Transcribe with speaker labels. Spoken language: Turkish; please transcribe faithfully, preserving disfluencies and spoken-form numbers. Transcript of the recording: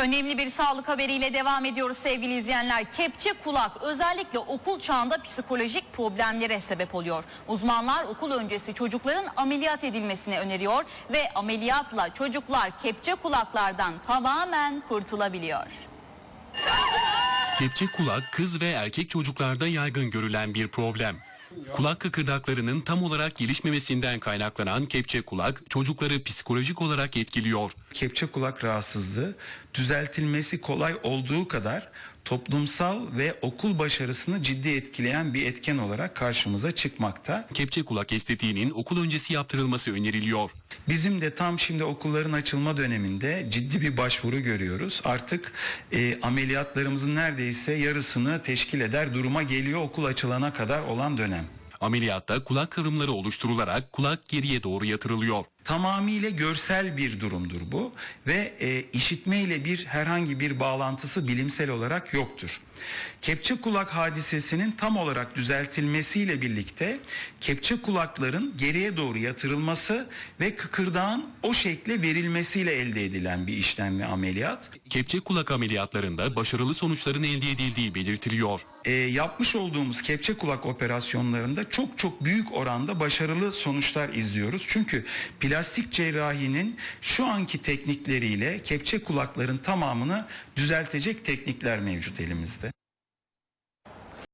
Speaker 1: Önemli bir sağlık haberiyle devam ediyoruz sevgili izleyenler. Kepçe kulak özellikle okul çağında psikolojik problemlere sebep oluyor. Uzmanlar okul öncesi çocukların ameliyat edilmesini öneriyor ve ameliyatla çocuklar kepçe kulaklardan tamamen kurtulabiliyor.
Speaker 2: Kepçe kulak kız ve erkek çocuklarda yaygın görülen bir problem. Kulak kıkırdaklarının tam olarak gelişmemesinden kaynaklanan kepçe kulak çocukları psikolojik olarak etkiliyor.
Speaker 3: Kepçe kulak rahatsızlığı düzeltilmesi kolay olduğu kadar toplumsal ve okul başarısını ciddi etkileyen bir etken olarak karşımıza çıkmakta.
Speaker 2: Kepçe kulak estetiğinin okul öncesi yaptırılması öneriliyor.
Speaker 3: Bizim de tam şimdi okulların açılma döneminde ciddi bir başvuru görüyoruz. Artık e, ameliyatlarımızın neredeyse yarısını teşkil eder duruma geliyor okul açılana kadar olan dönem.
Speaker 2: Ameliyatta kulak kıvrımları oluşturularak kulak geriye doğru yatırılıyor.
Speaker 3: Tamamıyla görsel bir durumdur bu ve e, işitme ile bir herhangi bir bağlantısı bilimsel olarak yoktur. Kepçe kulak hadisesinin tam olarak düzeltilmesiyle birlikte kepçe kulakların geriye doğru yatırılması ve kıkırdağın o şekle verilmesiyle elde edilen bir işlem ve ameliyat.
Speaker 2: Kepçe kulak ameliyatlarında başarılı sonuçların elde edildiği belirtiliyor.
Speaker 3: E, yapmış olduğumuz kepçe kulak operasyonlarında çok çok büyük oranda başarılı sonuçlar izliyoruz. Çünkü plastik cerrahinin şu anki teknikleriyle kepçe kulakların tamamını düzeltecek teknikler mevcut elimizde.